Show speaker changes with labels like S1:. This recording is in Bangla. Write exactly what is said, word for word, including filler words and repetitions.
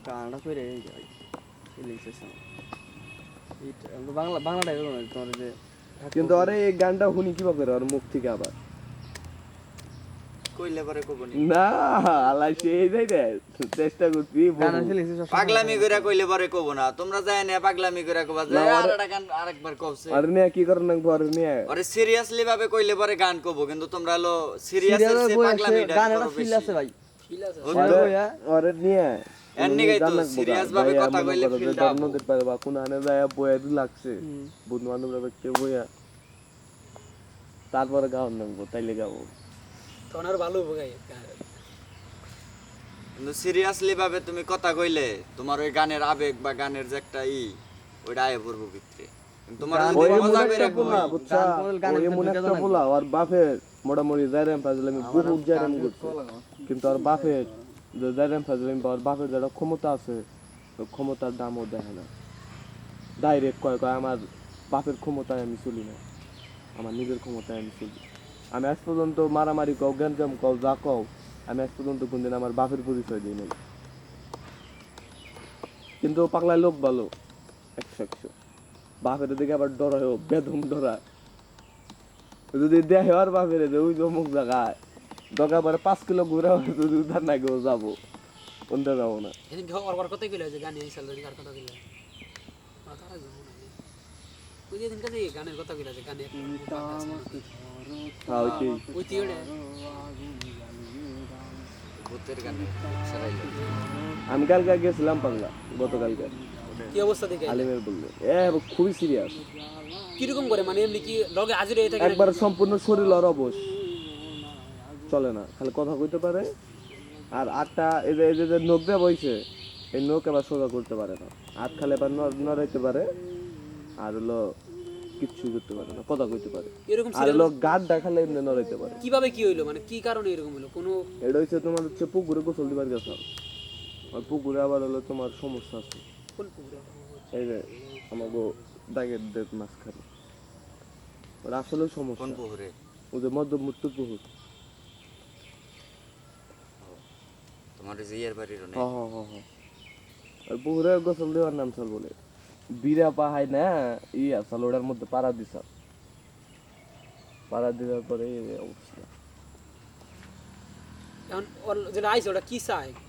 S1: কানাডা করে এই যাই রিল্যাক্সেশন এটা বাংলা বাংলাটাই বলো না তোমার যে
S2: কিন্তু আরে এই গানটা শুনি কিভাবে করে ওর মুখ থেকে আবার
S3: কইলে পরে কবনি
S2: না আল্লাহ সেই যাই রে চেষ্টা করছি
S1: গানা ফেলেছে সব
S3: পাগলামি কইরা কইলে পরে কব না তোমরা যায় না পাগলামি কইরা কবা যে আর একটা গান আরেকবার কবছে
S2: আর নিয়ে কি করে না ঘর নিয়ে
S3: আরে সিরিয়াসলি ভাবে কইলে পরে গান কব কিন্তু তোমরা হলো সিরিয়াসের সে পাগলামিটা
S1: গানাটা ফিল আছে ভাই
S4: ফিল আছে
S2: আরে নিয়ে
S3: এমনি গাইতো সিরিয়াস ভাবে কথা কইলে ফিলটা
S2: নদীর পারে বা কোন আনে যায় বয়া দি লাগছে বন্ধু বান্ধবরা ব্যক্তি বয়া তারপরে গাও নামবো তাইলে গাবো
S4: তখন আর ভালো হবে গাই
S3: কিন্তু সিরিয়াসলি ভাবে তুমি কথা কইলে তোমার ওই গানের আবেগ বা গানের যে একটা ই ওইটা আয় পড়বো ভিতরে কিন্তু তোমার
S2: ওই
S3: যদি মজা
S2: মনে
S3: কইরা
S2: একটা পোলা বুঝছা ওই মনে একটা পোলা আর বাপের মোটামুটি যাইরাম ফাজলামি বহুত যাইরাম করছে কিন্তু আর বাপের যে যাইরাম ফাজলামি আর বাপের যারা ক্ষমতা আছে ওই ক্ষমতার দামও দেখে না ডাইরেক্ট কয় কয় আমার বাপের ক্ষমতায় আমি চলি না আমার নিজের ক্ষমতায় আমি চলি আমি আজ পর্যন্ত মারামারি কও গ্যাঞ্জাম কও যা কও আমি আজ পর্যন্ত কোনদিন আমার বাপের পরিচয় দিই নাই কিন্তু পাগলায় লোক ভালো একশো একশো বাপের দিকে আবার ডর হয় বেদম ডরা যদি দেখে আর বাপের ওই অমুক জায়গায় দরকার পরে পাঁচ কিলো ঘুরে যদি উদ্ধার না কেউ যাবো কোনটা যাবো না
S4: এদিন ঘর ওর কথাই কইলা যে গান এই সাল ধরে কার কথা কইলা মাথা রাখবো না ওই যে দিন কাছে গানের কথা কইলা যে গানে
S2: হ্যাঁ ওইটাই
S4: ওই তিওড়ে
S3: ভূতের গানে সারাইলো
S2: আমি কালকে গেছিলাম পাগলা গতকালকে
S4: কি অবস্থা দেখে
S2: আলিমের বললে এ খুবই সিরিয়াস
S4: কিরকম করে মানে এমনি কি লগে হাজির হয়ে থাকে
S2: একবার সম্পূর্ণ শরীর আর অবশ চলে না খালি কথা কইতে পারে আর আটটা এই যে এই যে নখ দিয়ে বইছে এই নখ আবার সোজা করতে পারে না হাত খালি আবার নড়াইতে পারে আর হলো কিচ্ছু করতে পারে না কথা কইতে পারে
S4: এরকম
S2: আর হলো গাড়টা খালি এমনি নড়াইতে পারে
S4: কিভাবে কি হইলো মানে কি কারণে এরকম হলো কোনো
S2: এটা হচ্ছে তোমার হচ্ছে পুকুরে গোসল দিবার গেছে আর পুকুরে আবার হলো তোমার সমস্যা আছে
S4: কোন পুকুরে
S2: এই যে আমাকে দাগের দেব মাঝখানে ওর আসলে সমস্যা
S3: কোন পুকুরে
S2: ওই যে মধ্য মৃত্যু পুকুর
S3: তোমার যে ইয়ার বাড়ির অনেক
S2: হ্যাঁ হ্যাঁ হ্যাঁ হ্যাঁ আর পুকুরে গোসল দেওয়ার নাম চল বলে বিরা পাহাই না ই আসল ওটার মধ্যে পাড়া দিছ পাড়া দেওয়ার পরে এই অবস্থা
S4: এখন ওর যেটা আইছে ওটা কি চায়